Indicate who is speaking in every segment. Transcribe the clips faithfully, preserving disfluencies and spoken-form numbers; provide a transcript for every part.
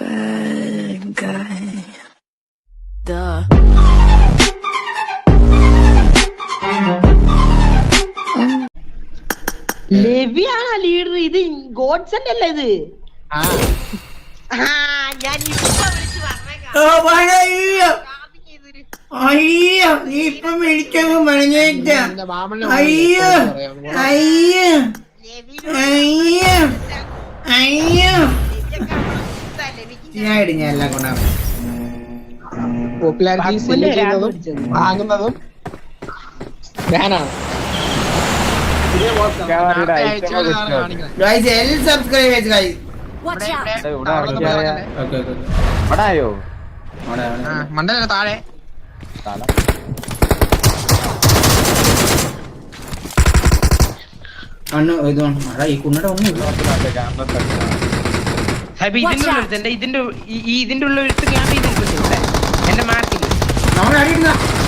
Speaker 1: bad guy. Duh.
Speaker 2: ലെവിയാണ് leader. ഇത് godson അല്ല ഇത്. ഞാൻ
Speaker 3: അയ്യോ നീ ഇപ്പൊ മേടിച്ചങ്ങ് പറഞ്ഞേക്ക. അയ്യോ അയ്യോ അയ്യോ അയ്യോ ഞാൻ ഇടിഞ്ഞ എല്ലാം കൊണ്ടാണ്
Speaker 4: വാങ്ങുന്നതും ഞാനാണ്.
Speaker 3: സബ്സ്ക്രൈബ് ചെയ്ത് ഗൈസ്.
Speaker 4: മണ്ടല താഴെ
Speaker 3: ഈ കുണ്ണട ഒന്നും
Speaker 2: ഇതിന്റെ ഇതിന്റെ ഇതിന്റെ ഉള്ള എടുത്ത് ക്യാമ്പ് ചെയ്തിട്ടുണ്ട് എന്റെ മാർക്കിൽ.
Speaker 3: നമ്മൾ അടിയിടുന്ന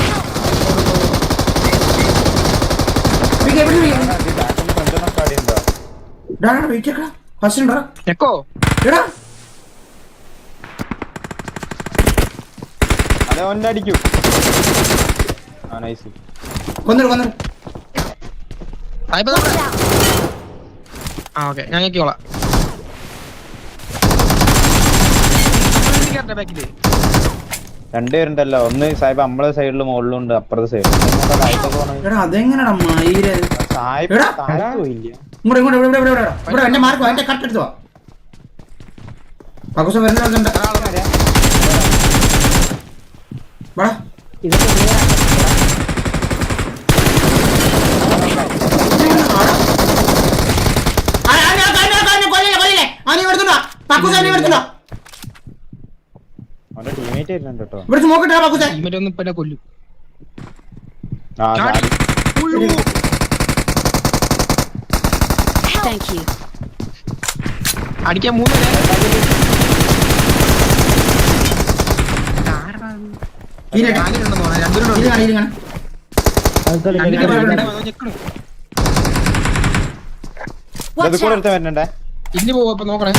Speaker 5: അടിക്കൂ.
Speaker 3: കൊന്നിട്ട് കൊന്നിട്ട്
Speaker 4: ആ ഓക്കെ ഞാൻ കേക്കോളാം.
Speaker 5: രണ്ടുപേരുണ്ടല്ലോ, ഒന്ന് സാഹിബ് നമ്മളെ സൈഡിലും മുകളിലും ഉണ്ട്, അപ്പുറത്തെ സൈഡിലും.
Speaker 3: അതെങ്ങനെയാ എന്റെ മാർക്ക് എന്റെ കറക്റ്റ് എടുത്തോ. പകുസ വരുന്നുണ്ട്. ഇവിടെ നോക്കട്ടെ പകുസ
Speaker 4: കൊല്ലും. അടിക്കാൻ മൂന്ന്
Speaker 5: വരുന്നുണ്ടേ.
Speaker 4: ഇന്ന് പോവപ്പോ നോക്കണേ.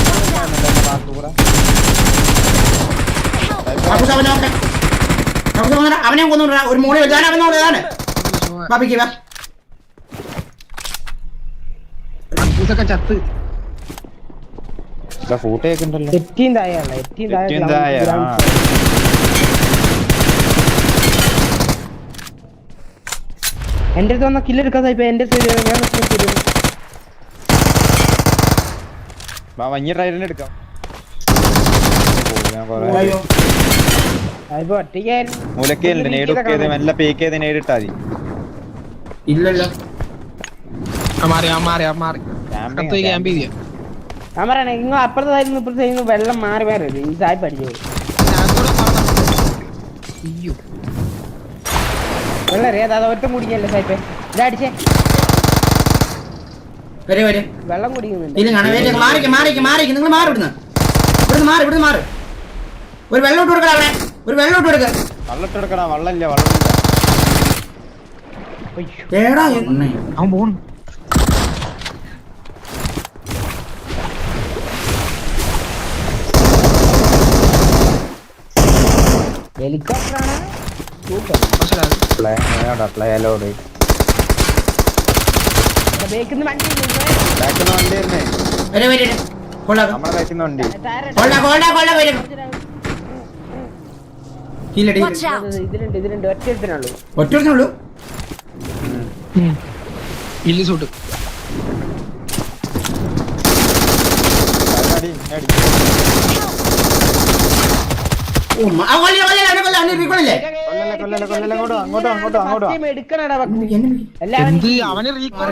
Speaker 3: അവനെ കൊന്നു ഒരു മോളി അവനോടാണ് ബാബിക്ക് വാ.
Speaker 4: ചത്ത്
Speaker 5: ഫൂട്ടേക്കുണ്ടല്ലോ.
Speaker 2: എന്റെ അടുത്ത് വന്ന കില്ലെടുക്കാ സാഹിബ്. എന്റെ
Speaker 5: വഞ്ഞി റൈഡിന് എടുക്കാം. മൂലക്കുണ്ട് നേടുക്കിയത് മെല്ലെ പേക്ക് ചെയ്ത് നേരിട്ടാ മതി.
Speaker 3: ഇല്ലല്ലോ
Speaker 4: മാറി മാറി മാറി ക്യാമ്പ് ചെയ്യാം.
Speaker 2: ഞാൻ പറയണേ നിങ്ങൾ അപ്പുറത്തെ സൈഡിൽ ഇപ്പുറത്തെ സൈഡിൽ വെള്ളം മാറി മാറി ഈ സാഹിബ് അടിച്ചു വെള്ളം അറിയാതെ അത് ഒറ്റ കുടിക്കല്ലേ സാഹിബ്. ഇതടിച്ചേ വെള്ളം കുടിക്കുന്നുണ്ട്.
Speaker 3: നിങ്ങൾ മാറി ഇവിടുന്ന് ഇവിടുന്ന് മാറി ഇവിടുന്ന് മാറി. ഒരു വെള്ളം ഇട്ട് കൊടുക്കണം അവിടെ. ഒരു വെള്ളം ഇട്ട് കൊടുക്ക.
Speaker 5: വെള്ളം ഇട്ട് കൊടുക്കണം. വെള്ളമില്ല വെള്ളമില്ല.
Speaker 4: അവൻ പോണു.
Speaker 2: ഹെലികോപ്റ്ററാണ്. ഇതിലുണ്ട് ഇതിലുണ്ട് ഒറ്റ എടുത്തിനുള്ളൂ.
Speaker 3: ഒറ്റ എടുത്തിനുള്ളൂ.
Speaker 4: ഇല്ല സൂട്ട് അവന്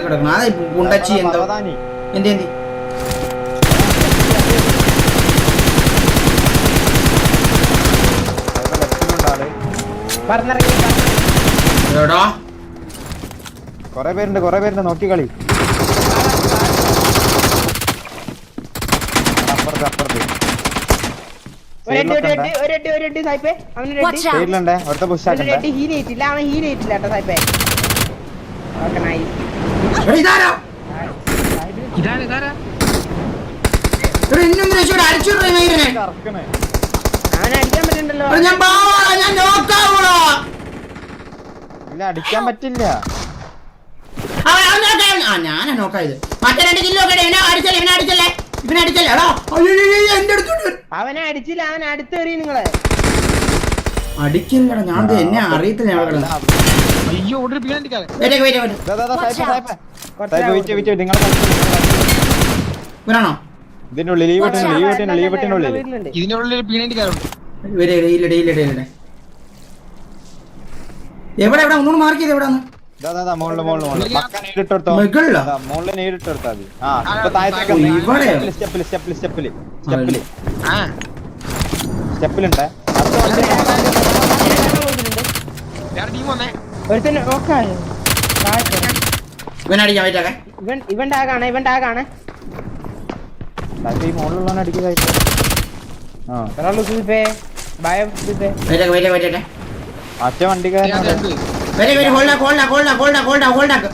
Speaker 5: കൊറേ പേരുണ്ട് കൊറേ പേരുണ്ട് നോക്കി കളി. അപ്പുറത്ത് അപ്പുറത്ത് അടുത്ത പുഷാക്കണ്ടേ.
Speaker 2: ഹീലേറ്റില്ല അവൻ ഹീലേറ്റില്ല കേട്ടോ സാഹിബേ.
Speaker 4: ഇതാരാ ഇതാരാ
Speaker 3: ഇവിടെ ഇന്നൊന്നും രക്ഷ അടിച്ചു മയിലിനെ.
Speaker 5: കറക്കണേ
Speaker 2: ഞാൻ അടിക്കാൻ പറ്റുന്നുണ്ടല്ലോ.
Speaker 3: എടാ, ഞാൻ പാവാടാ, ഞാൻ നോക്കാവൂടാ.
Speaker 5: ഇല്ല അടിക്കാൻ പറ്റില്ല.
Speaker 3: അവൻ അവൻ നോക്കാൻ ആ ഞാനാ നോക്കായത്. മറ്റേ രണ്ട് കിലോ ഒക്കെ ഇവനെ അടിച്ചല്ലേ ഇവനെ അടിച്ചല്ലേ ഇവനെ അടിച്ചല്ലേ. എടാ അയ്യോ എന്റെ അടുത്തോട്ട്
Speaker 2: അവനെ അടിച്ചില്ല, അവൻ അടുത്തേറി നിങ്ങളെ
Speaker 3: അടിക്കില്ലടാ. ഞാൻ ദേ എന്നെ അറിയത്തില്ല. ഞാൻ കിടന്ന്
Speaker 4: അയ്യോ ഓടി പീടിക്കാതെ
Speaker 3: വെയിറ്റ് വെയിറ്റ് വെയിറ്റ്
Speaker 5: ദാ, ദാ, ദാ, സായിപ്പ്, സായിപ്പ്. സായിപ്പ്, വെയിറ്റ്, വെയിറ്റ്, വെയിറ്റ്. നിങ്ങളെ കളിച്ച്
Speaker 3: ഇവനാണോ?
Speaker 5: ഇതിന്റെ ഉള്ളിൽ ഈ വെട്ടിന് ഈ വെട്ടിന് ഈ വെട്ടിന്റെ ഉള്ളിൽ
Speaker 2: വീട്ടിലുണ്ട്.
Speaker 4: ഇതിന്റെ ഉള്ളിൽ ഒരു പീടിക്കാറുണ്ട്.
Speaker 3: ഇവരെ ഇല്ലടെ ഇല്ലടെ ഇല്ലടെ എവിടെ എവിടെ ഒന്നുകൂടെ മാർക്ക് ചെയ്ത് എവിടെ
Speaker 5: ദാ, ദാ, ദാ, മുകളില് മുകളില് മുകളില് പക്ക നേരിട്ടെടുത്തോ.
Speaker 3: മുകളിലാ?
Speaker 5: ദാ, മുകളില് നേരിട്ടെടുത്താ മതി. ആ ഇപ്പൊ താഴത്തേക്ക്
Speaker 3: ഓ, ഇവിടെയോ?
Speaker 5: സ്റ്റെപ്പില് സ്റ്റെപ്പില് സ്റ്റെപ്പില് സ്റ്റെപ്പില്
Speaker 4: ആ
Speaker 5: സ്റ്റെപ്പിലുണ്ട്.
Speaker 4: വേറെ ടീം വന്നേ.
Speaker 2: ഒരുത്തന്നെ നോക്കാം.
Speaker 3: ഇവനടിക്കാൻ പറ്റാക്കെ
Speaker 2: ഇവൻ ഇവന്റെ ആകാണ് ഇവന്റെ ആകാണ്
Speaker 5: ഈ മുകളിലുള്ളവനെ അടിക്കുക. ആ
Speaker 2: ഒരാള് സൂപ്പേ ഭയം സൂപ്പേ.
Speaker 3: വെയിറ്റ് വെയിറ്റ് വെയിറ്റ്
Speaker 5: മറ്റേ വണ്ടിക്കാരൻ
Speaker 3: wait wait hold hold hold hold hold hold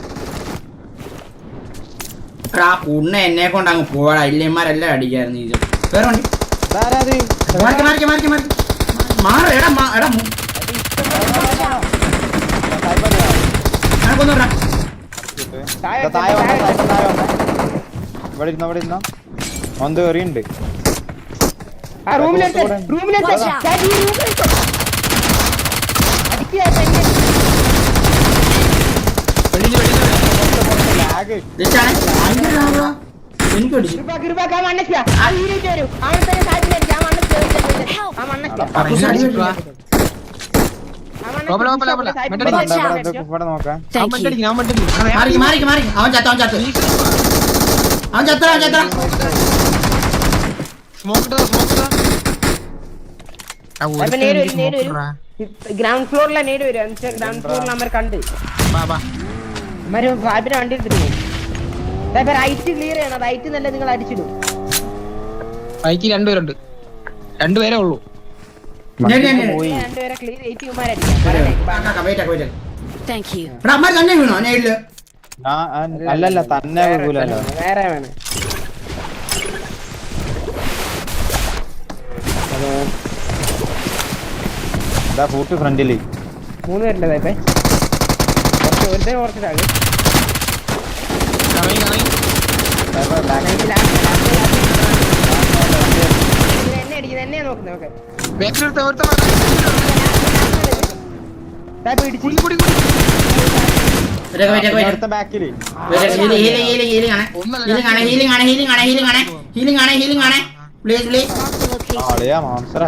Speaker 3: ആ പുണ്ണ എന്നെ കൊണ്ട് അങ്ങ് പോടാ. ഇല്ലന്മാരെല്ലാം അടിക്കായിരുന്നു. ഇത് വേറെ വണ്ടി
Speaker 5: ഇതാരാത്?
Speaker 3: മാറിക്ക് മാറിക്ക് മാറിക്ക് മാറി മാറ എടാ മാ- എടാ മു- ഞാനൊക്കൊന്നുവിടാ.
Speaker 5: ദാ, താഴെ വന്നോ, താഴെ താഴെ വന്നോ. ഇവിടെ ഇരുന്നോ ഇവിടെ ഇരുന്നോ. ഒന്ന് കയറിയുണ്ട്.
Speaker 2: ആ റൂമിലെടുത്ത് റൂമിലെടുത്ത് ചാച്ചി റൂമിലെടുത്ത് അടിക്കുക തന്നെ.
Speaker 4: വെളിയിൽ വെളിയിൽ
Speaker 5: ലാഗ്.
Speaker 3: ഇതാണ്. ഭയങ്കര ലാഭാ. എനിക്ക് അടിച്ചു.
Speaker 2: കൃപ കൃപ ആ മണ്ണയ്ക്ക ആ വീടിട്ട് വരും. അവൻ തന്നെ സാധ്യത ആ മണ്ണയ്ക്ക ആ മണ്ണയ്ക്ക
Speaker 3: അപ്പൊ ഇത് അടി വെച്ചു.
Speaker 4: ലോപ്പല, ലോപ്പല, ലോപ്പല.
Speaker 5: ഇവിടെ ഉണ്ട്, ഇവിടെ ഉണ്ട്, ഇവിടെ നോക്കാം.
Speaker 1: Thank you.
Speaker 4: ഞാൻ മണ്ടടിക്കും.
Speaker 3: മാറിക്ക് മാറിക്ക് മാറിക്ക് അവൻ ചത്ത അവൻ ചത്ത് അവൻ ചത്ത അവൻ ചത്ത
Speaker 4: സ്മോക്ക് ഇട്ടതാ, സ്മോക്ക് ഇട്ടതാ. ആ,
Speaker 2: അപ്പൊ
Speaker 4: ഒരുത്തൻ
Speaker 2: നേരെ
Speaker 4: എനിക്ക്
Speaker 2: വരും നേരെ
Speaker 4: smoke
Speaker 2: വരും.
Speaker 4: ഇട്ടടാ.
Speaker 2: ഗ്രൗണ്ട് ഫ്ലോറിലെ നേട് വരും. എന്നുവെച്ചാൽ ഗ്രൗണ്ട് ഫ്ലോറിൽ അമ്മ കണ്ട്
Speaker 4: വാ, വാ.
Speaker 2: അമ്മ സാഹിബിനെ വണ്ടി എടുത്തിട്ട് പോകും. റൈറ്റ് ക്ലിയർ ചെയ്യണം. റൈറ്റ് നല്ല നിങ്ങൾ അടിച്ചിടും.
Speaker 4: ബൈക്ക് രണ്ടുപേരുണ്ട്. രണ്ടുപേരേ ഉള്ളൂ.
Speaker 3: ഞാൻ ഞാൻ ഞാൻ
Speaker 5: പോയി.
Speaker 2: രണ്ടുപേരെ ക്ലിയർ എയ്റ്റ് കുമാരടിക്കാം.
Speaker 3: Wait wait
Speaker 1: Thank you.
Speaker 3: എടാ അമ്മ തന്നെ വീണോ ഞാൻ ഇല്ല.
Speaker 5: ആ, ആ, അല്ലല്ല തന്നെ വീഴൂലല്ലോ.
Speaker 2: വേറെ വേണം.
Speaker 5: ഇതാ കൂട്ട് ഫ്രണ്ടില്.
Speaker 2: മൂന്ന് പേരുണ്ട് സാഹിബേ. കുറച്ച് ഒരുത്തന്നെ കുറച്ചിട്ടാകും.
Speaker 4: കറങ്ങി കറങ്ങി.
Speaker 2: എന്നെ അടിക്കുന്നത് എന്നെ നോക്കുന്നത്. ഓക്കെ
Speaker 4: ബാക്കിൽ ഒരുത്തൻ, ഒരുത്തൻ
Speaker 2: സാഹിബ് ഇടിച്ചു.
Speaker 4: കുടി കുടി കുടി.
Speaker 3: വെയിറ്റ് വെയിറ്റ് വെയിറ്റ്
Speaker 5: അടുത്ത ബാക്കില്
Speaker 3: ഹീലിംഗ് ഹീലിംഗ് ഹീലിംഗ് ഹീലിംഗ് ആണ് ഹീലിംഗ് ആണ് ഹീലിംഗ് ആണ് ഹീലിംഗ് ആണ് ഹീലിംഗ് ആണ് ഹീലിംഗ് ആണ് ഹീലിംഗ് ആണ് പ്ലീസ് പ്ലീസ്.
Speaker 5: ആളിയാ മാംസറ.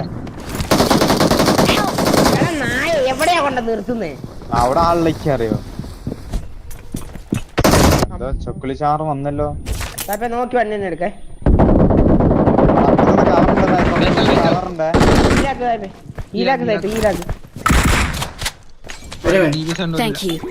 Speaker 2: എടാ നായ എവിടെയാ കൊണ്ട് നിർത്തുന്നേ?
Speaker 5: അവിടെ ആളിലേക്ക് അറിയോ? എന്തോ ചൊക്കുളി ചാറ് വന്നല്ലോ.
Speaker 2: സാഹിബേ നോക്കി വന്നെ എടുക്കേ.
Speaker 5: കവറുണ്ട്.
Speaker 2: ഈലാക്ക് സാഹിബേ. ഈലാക്ക് സാഹിബ് ഈലാക്ക്.
Speaker 3: ഒരു മിനിറ്റ്
Speaker 4: ടി വി സെന്റ്
Speaker 1: Thank you.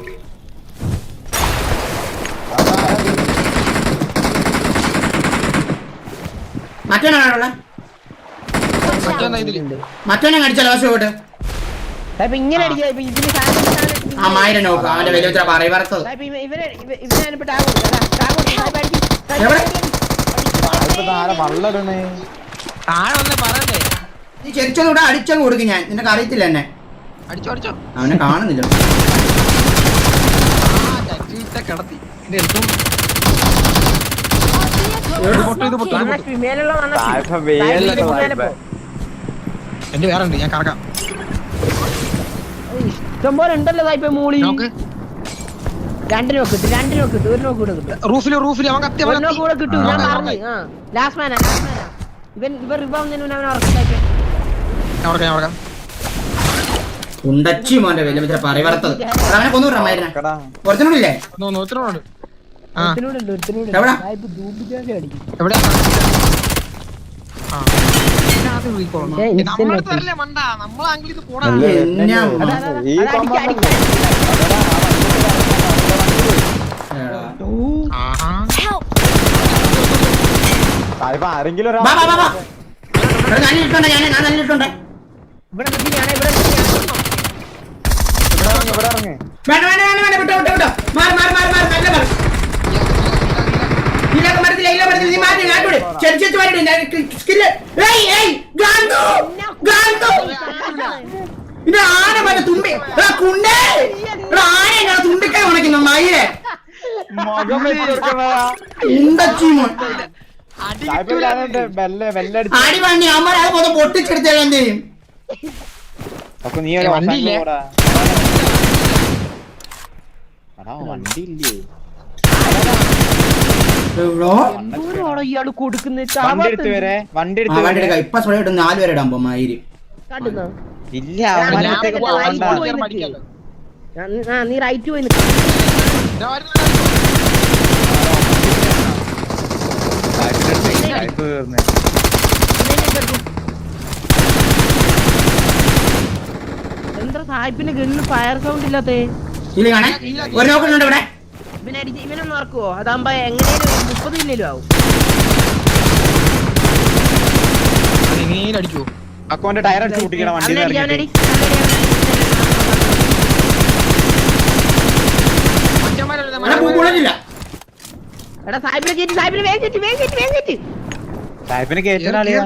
Speaker 3: മറ്റവനാണുള്ള
Speaker 4: മറ്റൊന്നാ ഇതില്.
Speaker 3: മറ്റവനെ കടിച്ചാലോ പക്ഷെ പോട്ട്
Speaker 2: സാഹിബ് ഇങ്ങനെ അടിക്കുക. ഇപ്പൊ ഇതിന് സാധനം സാധനം
Speaker 3: ആ മായിരം നോക്കുക അവന്റെ വലിയ ഉത്തര പറയ വറുത്തത്
Speaker 2: സാഹിബ് ഇവ- ഇവരെ ഇവ- ഇവനെ അനുപ്പ് ടാഗ് കൊടുക്കും. അതാ, ടാഗ് കൊടുക്കും. സാഹിബ് അടിക്കും. സാഹിബ്
Speaker 3: എവിടെ?
Speaker 2: അടിക്കും.
Speaker 5: ഇപ്പൊ താരം വള്ളിടണേ.
Speaker 4: താഴെ വന്നേ പറയണ്ടേ.
Speaker 3: നീ ചെരിച്ചൊന്നും ഇവിടെ അടിച്ചങ്ങ് കൊടുക്കും ഞാൻ. നിനക്ക് അറിയത്തില്ല എന്നെ.
Speaker 4: അടിച്ചോ അടിച്ചോ.
Speaker 3: അവനെ കാണുന്നില്ല.
Speaker 4: ആ ചട്ടിയിട്ട കിടത്തി. ഇത് എടുത്തും. ഇത് പൊട്ടു, ഇത് പൊട്ടു, ഇത്
Speaker 2: വന്ന
Speaker 4: പൊട്ടു.
Speaker 2: മേലുള്ള വന്ന
Speaker 5: സായിപ്പ് വേലല്ല സായിപ്പ്.
Speaker 4: എന്റെ വേറെ ഉണ്ട്, ഞാൻ കറക്കാം.
Speaker 2: ഇഷ്ടംപോലെ ഉണ്ടല്ലോ സാഹിബ് മൂളി.
Speaker 4: നോക്ക്.
Speaker 2: രണ്ട് നോക്ക് കിട്ടും. രണ്ട് നോക്ക് കിട്ടും. ഒരു നോക്ക് കൂടെ കിട്ടും.
Speaker 4: റൂഫില് റൂഫില് അവൻ കത്തി, അവൻ
Speaker 2: ഒരു നോക്ക് കൂടെ കിട്ടും. ഞാൻ
Speaker 4: കത്തി.
Speaker 2: പറഞ്ഞു. ആ ലാസ്റ്റ് മാനാ ലാസ്റ്റ് മാനാ. ഇവൻ ഇവർ റിബൗണ്ടിന് അവനെ ഉറപ്പിലാക്കി.
Speaker 4: ഞാൻ ഉറക്കാം, ഞാൻ ഉറക്കാം.
Speaker 3: ഉണ്ടച്ചി മോന്റെ വലിയ ഉത്തര പറയ വറുത്തത്. അവനെ കൊന്നുവിടാ മരുന്നെ.
Speaker 5: കടാ.
Speaker 3: കുറച്ചുകൂടില്ലേ?
Speaker 4: No, no, ഇത്രയുണ്ട്. ആ,
Speaker 2: ഒരുത്തനോടുണ്ട്, ഒരുത്തനോടുണ്ട്.
Speaker 3: എവിടാ?
Speaker 2: സാഹിബ് ധൂപിച്ചാക്കി അടിക്കും.
Speaker 4: എവിടെയാ? ആ. ഇതിനകത്ത് recall ഉണ്ടോ?
Speaker 2: ഏ,
Speaker 4: ഇത്
Speaker 2: instant
Speaker 4: നമ്മുടെ അടുത്ത്
Speaker 2: ആക്കി.
Speaker 4: വരല്ലേ മണ്ട, നമ്മളെ angle ഇത് പോടാ.
Speaker 5: അല്ലേ,
Speaker 3: എന്നാ
Speaker 5: എന്നെ
Speaker 2: അതാ, അതാ,
Speaker 5: ഈ
Speaker 2: അതാ, അടിക്ക,
Speaker 5: കൊമ്പൻ
Speaker 2: അടിക്ക.
Speaker 3: എടാ.
Speaker 4: ആഹാ.
Speaker 1: Help!
Speaker 5: സായിപ്പ് ആരെങ്കിലും ഒരാൾ
Speaker 3: വാ വാ വാ വാ. എടാ നല്ല ഇട്ടുണ്ട് ഞാൻ ഞാൻ നല്ല ഇട്ടുണ്ട്.
Speaker 2: ഇവിടെ നിർത്തിയാണ് ഇവിടെ നിർത്തിയാണ്.
Speaker 5: ഇവിടെ ഇറങ്ങ്, ഇവിടെ ഇറങ്ങ്.
Speaker 3: വേണ്ട വേണ്ട വേണ്ട വേണ്ട വിട്ടോ വിട്ടോ വിട്ടോ. മാറി മാറി മാറി മാറി നല്ല മാറി.
Speaker 4: ഇല്ല, ഇല്ല, ഇല്ല, ഇല്ല.
Speaker 3: എടാ, എടാ, എടാ, എടാ, എടാ, എടാ, എടാ, എടാ, എടാ, എടാ, എടാ, എടാ, എടാ, എടാ, എടാ, ഇതിലൊക്കെ മരത്തില്ല ഇതിലെ മരത്തിൽ നീ മാറ്റി കാട്ടോട് ചെറിച്ചു മാറ്റി സ്കില്ല് ഏയ് ഏയ് ഗാന്തു ഗാന്തു ഇത് ആന മറ്റേ തുമ്പി എടാ കുണ്ടേ എടാ ആന എങ്ങനെ തുമ്പിക്കൈ ഉണക്കുന്നു മയിലെ
Speaker 5: മുഖം വെച്ച് കൊടുക്കുന്നതാ.
Speaker 3: എന്തീമോ
Speaker 5: സായിപ്പ് ഞാനുണ്ട് ബെല്ല് ബെല്ലടിച്ച്
Speaker 3: അടി വണ്ടി അമ്മ അത് മൊത്തം പൊട്ടിച്ചെടുത്താൽ എന്ത് ചെയ്യും
Speaker 5: അപ്പൊ നീ ഒരു
Speaker 2: വണ്ടിയില്ലേ?
Speaker 5: ഓടാ എടാ വണ്ടി ഇല്ലേ
Speaker 3: എവിടോ
Speaker 2: എന്തോരാണോ ഇയാള് കൊടുക്കുന്നത്
Speaker 5: വണ്ടി എടുത്ത് വരെ വണ്ടി
Speaker 3: ആ
Speaker 5: എടുത്ത്
Speaker 3: വണ്ടി
Speaker 5: വരെ
Speaker 3: എടുക്കാം ഇപ്പൊ സ്വയം ഇട്ട് നാല് പേരെ ഇടാൻ പോകും മയില്
Speaker 2: കണ്ടുന്നോ
Speaker 5: ഇല്ല അവന്മാരത്തേക്ക് പോകണ്ട
Speaker 2: നീ റൈറ്റ് പോയി നിൽക്ക്.
Speaker 5: സായിപ്പിന്റെ അടുത്ത് സായിപ്പ് കേറുന്നെ.
Speaker 2: എന്താ സായിപ്പിന്റെ ഗണ്ണിന് ഫയർ സൗണ്ട് ഇല്ലാത്തേ
Speaker 3: ഇല്ല കാണേ ഒരു നോക്കുന്നുണ്ട് ഇവിടെ
Speaker 2: ഇവനെ അടിച്ച് ഇവനൊന്നും ഓർക്കുവോ അതാകുമ്പോ എങ്ങനെയാലും മുപ്പത് മില്ലും ആവും
Speaker 4: അടിക്കുവോ
Speaker 5: അക്കോന്റെ ടയർ അടിച്ച് പൊട്ടിക്കണം വണ്ടി
Speaker 2: അവനടി അവനടി
Speaker 3: ഇവിടെ പൂക്കുളഞ്ഞില്ല
Speaker 2: എടാ സായിപ്പിനെ കയറ്റി സായിപ്പിനെ വേഗം കയറ്റി വേഗം കയറ്റി വേഗം കയറ്റി
Speaker 5: സായിപ്പിനെ കേറ്റാളിയാ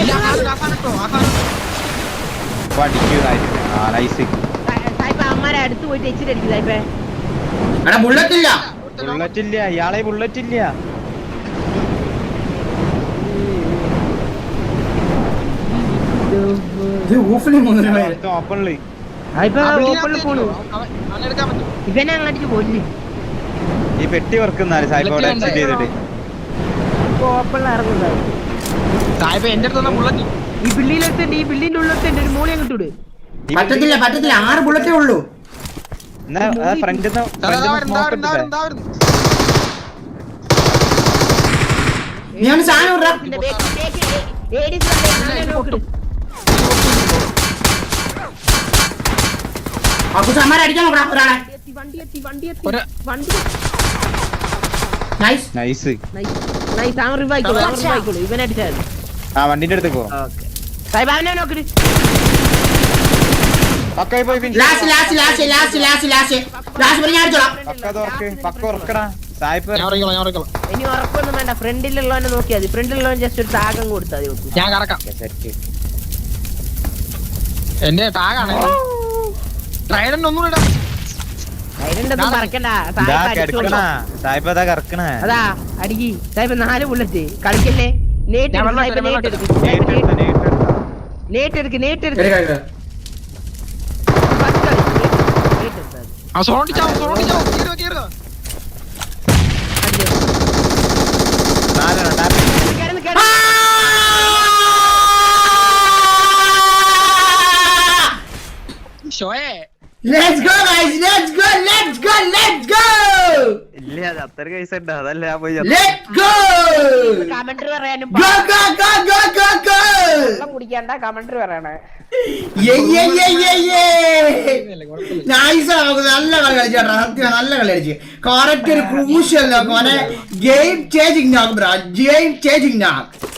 Speaker 5: അടിക്കൂ സായിപ്പിനെ ആ നൈസ്
Speaker 2: സായിപ്പ് അമ്മമാരെ അടുത്ത് പോയിട്ട് എച്ചിട്ട് അടിക്കും സായിപ്പേ
Speaker 3: എടാ ബുള്ളറ്റ് ഇല്ല
Speaker 5: ബുള്ളറ്റ് ഇല്ല ഇയാളെ ബുള്ളറ്റ് ഇല്ല
Speaker 3: ഇത് ഊഫിന് മൂന്ന് പേര്
Speaker 5: ഓപ്പണില്
Speaker 2: സായിപ്പ് ഓപ്പണിൽ പോണു ഇവനെ അങ്ങ് അടിച്ച് കൊല്ലി
Speaker 5: ഈ പെട്ടി വർക്കുന്നാല് സായിപ്പ് അവിടെ എക്സിറ്റ് ചെയ്തിട്ട്
Speaker 2: ഓപ്പണിൽ ഇറങ്ങും സായിപ്പ്
Speaker 4: എന്റെ അടുത്ത് ബുള്ളറ്റ്
Speaker 2: ഈ ബില്ലിലെത്തുണ്ട് ഈ ബില്ലിന്റെ ഉള്ളിലെത്തുണ്ട് ഒരു മൂളി അങ്ങോട്ട് വിട്
Speaker 3: പറ്റത്തില്ല പറ്റത്തില്ല ആറ് ബുള്ളറ്റേ ഉള്ളൂ
Speaker 5: എന്നാ ഫ്രണ്ടിൽ
Speaker 3: നീ ഒന്ന് സാധനം വിടറാ.
Speaker 2: ഇതിന്റെ back- back- A- ADC ന്റെ back ല് നോക്കിട്.
Speaker 3: ആ കുട്ടി അമ്മമാരെ അടിക്കാൻ നോക്കടാ ഒരാളെ
Speaker 2: എത്തി, വണ്ടി എത്തി വണ്ടി എത്തി
Speaker 4: ഒരു-
Speaker 2: വണ്ടി
Speaker 3: നൈസ്
Speaker 5: നൈസ്
Speaker 2: നൈസ് അവൻ റിവ് ആയിക്കോളൂ അവൻ റിവ് ആയിക്കോളൂ ഇവനെ അടിച്ചാൽ മതി
Speaker 5: ആ വണ്ടിന്റെ അടുത്ത് പോ
Speaker 2: ഓക്കെ സായിപ്പ് അവനെ നോക്കിട്
Speaker 5: പക്കായി പോയി finish
Speaker 3: last last last last last last last പറഞ്ഞ അടിച്ചോളാം
Speaker 5: പക്ക തുറക്ക് പക്ക ഉറക്കടാ സായിപ്പ്
Speaker 4: ഞാൻ ഉറങ്ങിക്കോളാം ഞാൻ ഉറങ്ങിക്കോളാം
Speaker 2: ഇനി ഉറപ്പൊന്നും വേണ്ട ഫ്രണ്ടിലുള്ളവനെ നോക്കിയാൽ മതി ഫ്രണ്ടിലുള്ളവൻ ജസ്റ്റ് ഒരു താകം കൊടുത്താൽ മതി നോക്കൂ
Speaker 4: ഞാൻ കറക്കാം
Speaker 5: സെറ്റ്
Speaker 4: എന്റെ ടാഗാണ് ട്രൈഡന്റ് ഒന്നും ഇടാം
Speaker 2: അതിനുണ്ടൊന്നും പറക്കണ്ട
Speaker 5: ഇതാ
Speaker 2: സായിപ്പ്
Speaker 5: കിടക്കണ
Speaker 2: അടിച്ചോളൂ
Speaker 5: സായിപ്പ് അതാ കിടക്കണേ
Speaker 2: അതാ അടിക്കി സായിപ്പ് നാല് ബുള്ളറ്റ് കളിക്കല്ലേ നേട്ട്
Speaker 4: ഞാൻ വെള്ളം
Speaker 2: സായിപ്പ്
Speaker 4: ഇട്ട്
Speaker 2: നേട്ട് എടുക്ക്
Speaker 5: നേട്ട് എടുത്ത നേട്ട് എടുത്ത
Speaker 2: നേട്ട് എടുക്ക് നേട്ട് എടുക്ക്
Speaker 3: എടുക്കാം എടുക്കാം
Speaker 2: ഫസ്റ്റ് കളി നേട്ട് എടുത്താൽ മതി
Speaker 4: ആ സോണിച്ചാവും സോണിച്ചാവും കേറുക കേറുക
Speaker 2: അടിച്ചോ.
Speaker 5: നാലെണ്ണം ടാപ്പ്
Speaker 2: കിടന്ന് കിടന്ന്
Speaker 4: ഷോയെ
Speaker 3: let's go guys let's go let's go let's go
Speaker 5: ഇല്ല അത് അത്ര കേസ് ഉണ്ട് അതല്ല ഞാൻ പോയി
Speaker 3: ലെറ്റ്സ് ഗോ
Speaker 2: കമന്ററി പറയാനും
Speaker 3: go go go go go go
Speaker 2: വെള്ളം കുടിക്കണ്ട കമന്ററി പറയണേ
Speaker 3: യേ യേ യേ യേ യേ നൈസ് ആണ് നല്ല കളി കളിച്ചാ സത്യം നല്ല കളി കളിച്ചു കറക്റ്റ് ഒരു ക്രൂഷ്യൽ നോക്ക് മോനെ game changing knock bro game changing നോക്ക്